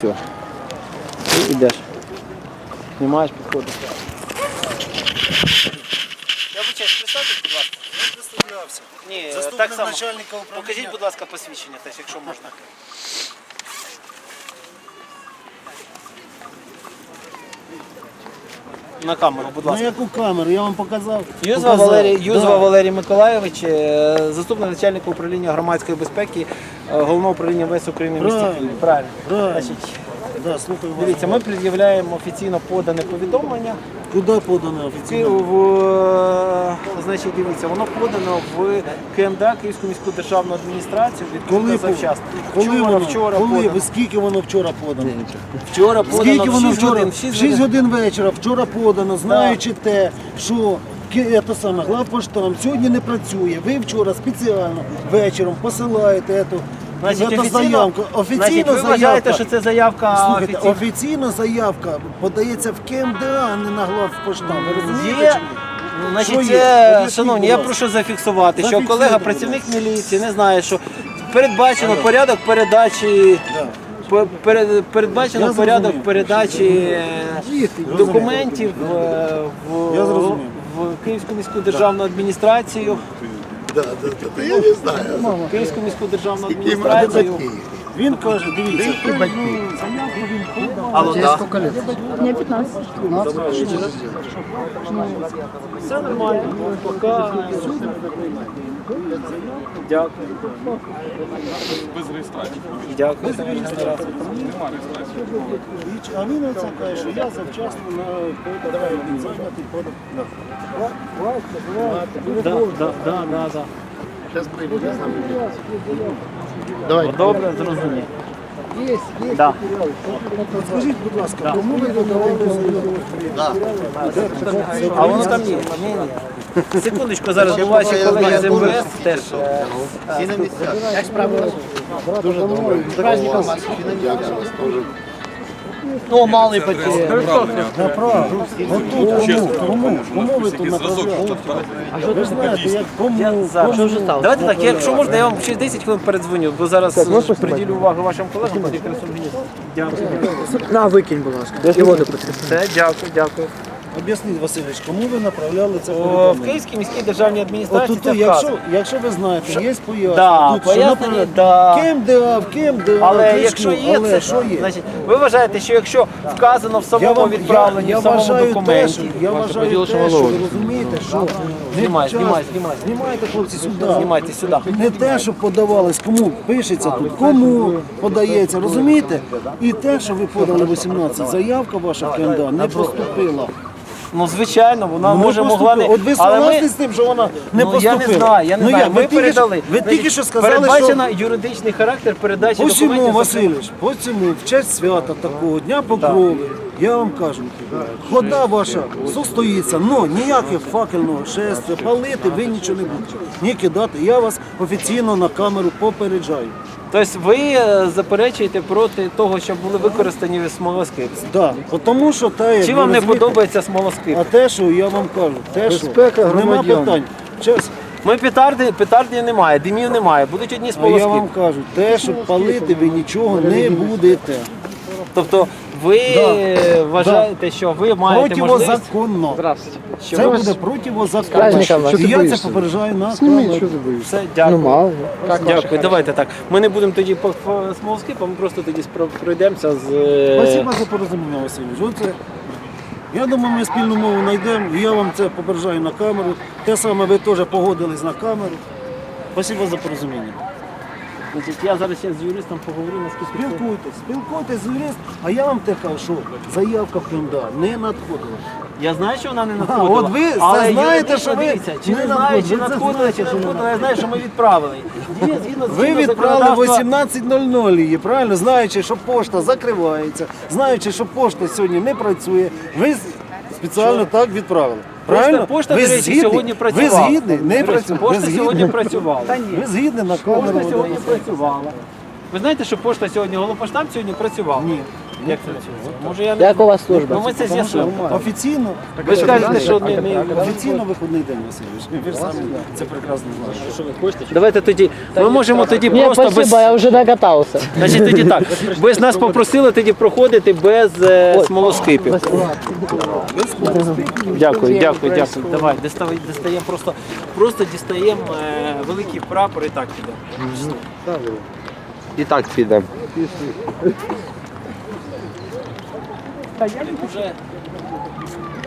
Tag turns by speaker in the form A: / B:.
A: Все. Ти йдеш. Знімаєш, підходиш.
B: Я вибачаюсь, представте, будь ласка.
C: Я представлявся.
B: Ні,
C: Заступник
B: так само.
C: начальника управління.
B: Покажіть, будь ласка, посвідчення теж, якщо можна. На камеру, будь
C: На
B: ласка.
C: яку камеру? Я вам показав.
B: Юзва Валерій Миколайович, заступник начальника управління громадської безпеки, головного управління МВС України в місті
C: Правильно.
B: Києві. Правильно.
C: Правильно.
B: Значить,
C: Да, слухаю вас.
B: дивіться, ми пред'являємо офіційно подане повідомлення.
C: Куди подано офіційно?
B: Значить, дивіться, воно подано в КМДА, Київську міську державну адміністрацію, відкрито завчасно. Вчора
C: Коли?
B: подано.
C: Ви скільки воно вчора подано?
B: Вчора подано
C: Скільки
B: в
C: воно
B: 6
C: вчора?
B: годин.
C: В 6 годин вечора вчора подано, знаючи те, що главпоштам сьогодні не працює. Ви вчора спеціально вечором посилаєте ету заявку.
B: Значить, ви вважаєте, що це заявка
C: Слухайте,
B: офіційна?
C: офіційно заявка подається в КМДА, а не на главпоштам. Ви розумієте?
B: Є.
C: чи ні?
B: Значить,
C: Що є?
B: це,
C: Об'ясніть,
B: шановні,
C: будь
B: я
C: ласка.
B: прошу зафіксувати, що
C: Зафіксуйте,
B: колега,
C: будь
B: працівник міліції, не знає, що передбачено порядок передачі.
C: Да.
B: Передбачено
C: Я
B: порядок
C: зрозумів.
B: передачі документів
C: Я зрозумів.
B: в Київську міську державну адміністрацію.
D: Я не знаю.
B: Київську міську державну
D: Скільки їм
B: адміністрацію.
D: батьків?
C: Він каже, дивіться,
B: Алло, да.
E: Мне 15.
B: Все нормально. Пока. Дякую.
F: Без реєстрації.
B: Дякую за реєстрацію.
F: Нема реєстрації.
C: а він оце каже, що я завчасно зайнятий подав.
B: Да.
D: Зараз прийду, я знаю. Давай.
B: Добре, зрозумів. Да.
C: Скажіть, будь ласка, кому ви подавали заявку?
B: А воно там є. Ні. Секундочку, зараз до ваші колеги з МВС теж.
D: Всі на місцях. Як справи? Дуже добре. З праздником вас. Дякую вас теж.
B: Ну, малий пакет.
C: Направо. Отут, кому ви тут направляли? Ви ж знаєте, як кому?
B: Давайте так, якщо можна, я вам через 10 хвилин передзвоню, бо зараз приділю увагу вашим колегам. Дякую.
A: На, викинь, будь ласка. І воду потрібно.
B: Все, дякую.
C: Об'ясніть, Васильович, кому ви направляли це
B: В
C: повідомлення?
B: Київській міській державній адміністрації
C: От
B: це
C: тут,
B: вказано.
C: якщо ви знаєте, є пояснення.
B: Да,
C: тут,
B: пояснення,
C: наприклад,
B: да.
C: в КМДА,
B: Але
C: кришку,
B: якщо є
C: але
B: це,
C: що є?
B: значить, ви вважаєте, що якщо вказано в самому відправленні, в самому документі,
C: я вважаю те, що ви розумієте, що
B: Знімай.
C: знімайте, хлопці, сюди.
B: Знімайте сюди.
C: Не те, що подавалось, кому пишеться тут, кому подається, розумієте? І те, що ви подали 18, заявка ваша в КМДА не поступила.
B: Ну, звичайно, вона може могла не...
C: От ви
B: Але
C: согласні з тим, що вона не
B: ну,
C: поступила?
B: я не знаю.
C: як?
B: Ви передали.
C: Ви тільки що сказали,
B: передбачено юридичний характер передачі
C: Посему,
B: документів.
C: Васильович, посему, в честь свята такого, Дня Покрови, я вам кажу, хода ваша состоїться, але ніяких факельного шестя, палити ви нічого не будете, ні кидати. Я вас офіційно на камеру попереджаю.
B: Тобто ви заперечуєте проти того, щоб були використані смолоскипи.
C: Да, тому що те,
B: Чи
C: як
B: вам
C: ви
B: не
C: розумієте,
B: подобається смолоскип?
C: А те, що я вам кажу, те, що нема питань. Чесно,
B: Ми петарди немає, димів немає, будуть одні
C: а я вам
B: смолоскипи.
C: кажу, те, що палити ви нічого не будете.
B: Тобто ви вважаєте, що ви маєте можливість...
C: Противозаконно.
B: Що
C: Це
B: ви-
C: буде противозаконно.
A: праздником вас.
C: І я це попереджаю на камеру.
B: Все, дякую.
A: мало.
B: Дякую, давайте так. Ми не будемо тоді по смолоскипам, ми просто тоді пройдемося з...
C: Спасибо за порозуміння, Васильович. Оце, я думаю, ми спільну мову знайдемо, і я вам це попереджаю на камеру. Те саме ви теж погодились на камеру. Спасибо за порозуміння.
B: Значить, я зараз ще з юристом поговорю, наскільки...
C: Спілкуйтесь з юристом, а я вам те кажу, що заявка в КМДА не надходила.
B: Я знаю, що вона не надходила.
C: от ви це
B: але
C: знаєте,
B: юридично,
C: що ви
B: дивіться, чи
C: не
B: не знаю, чи
C: надходила, ви це
B: надходила, чи
C: знаєте,
B: не
C: що не
B: надходила, я знаю, що ми відправили. Є, згідно
C: Ви
B: чинного
C: відправили
B: законодавства-
C: 18:00 її, правильно? Знаючи, що пошта закривається, знаючи, що пошта сьогодні не працює, ви спеціально так відправили. Правильно?
B: Пошта,
C: ви
B: до речі,
C: згідні?
B: сьогодні працювала.
C: Ви згідні? Не
B: До речі,
C: працює.
B: Пошта сьогодні працювала.
C: Ви згідні на камеру.
B: Пошта сьогодні працювала. Ви знаєте, що пошта сьогодні, Голопоштаб сьогодні працював?
C: Ні.
B: Як працює? Може я не
A: Як у вас служба?
B: Ну ми це з'ясуємо.
C: Офіційно,
B: Ви ж кажете, що не
C: офіційно вихідний день, Васильович. Ви ж самі це прекрасно знаєте.
B: Давайте тоді. Ми можемо тоді просто без.
A: я вже докатався.
B: Значить, тоді так. Ви ж нас попросили тоді проходити без смолоскипів. Дякую, дякую, дякую. Давай, дістаємо просто дістаємо великий прапор і так підемо.
G: І так підемо.
B: Уже